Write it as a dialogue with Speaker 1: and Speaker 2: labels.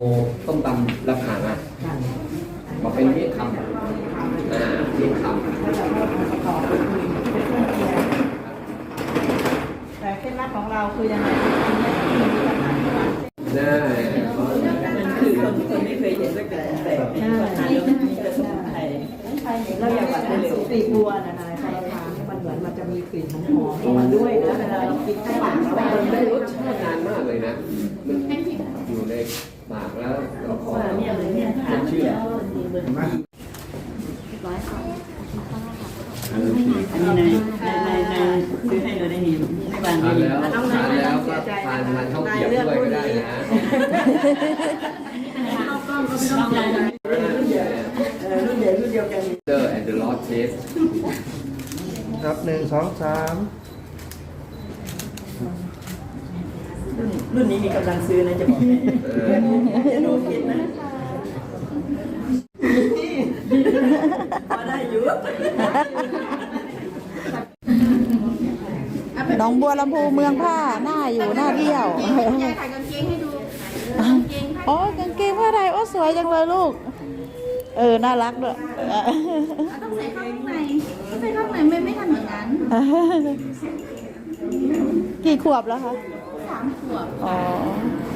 Speaker 1: โอ้ต้มตำราคาอ่ะมาเป็นเมี่ยงคำเมี่ยงคำ
Speaker 2: แต่เคล็ดลับของเราคือยังไง
Speaker 1: ได้
Speaker 2: คือคนไม่เคยเห็นด้วยกันแต่ทานแล้วมีกระสมุนไพรเราอยากว่าเป็นสูตรปีบัวนะคะใช่ค่ะมันเหมือนมันจะมีกลิ่นหอมของมันด้วยนะเวลาเรากินข้าวหลามแล้วมันไม่รู้
Speaker 1: รสชาตินานมากเลยนะมันอยู่ในปากแล้วเราขอ
Speaker 2: เนี่ยเลยเนี่ยทานเชื่ออันนี้ในซื้อให้เราได้เห็นในวัน
Speaker 1: ทาน
Speaker 2: นี้
Speaker 1: แล้วทานแล้วก็ทานข้าวเกรี๊ยวด้วยก็ได้นะ
Speaker 2: ข้าวกล้องก็ไม่ต้องใจรุ่นเดียวกัน
Speaker 1: เจอ and the Lord taste
Speaker 3: ครับ1 2 3
Speaker 2: รุ่นนี้มีกำลังซื้อนะจะบอกจะดูคิดนะพอได้อยู่
Speaker 4: หนองบัวลำพูเมืองผ้าหน้าอยู่หน้าเที่ยวย
Speaker 5: ายถ่ายกางเกงให้ดูกางเกง
Speaker 4: อ๋อกางเกงผ้าไทยโอ้สวยจังเลยลูกน่ารักด้วย
Speaker 5: ต้องใส่ข้างในใส่ข้างในไม่ทำอย่างนั้น
Speaker 4: กี่ขวบแล้วคะ
Speaker 5: 3 ขวบ
Speaker 4: อ๋อ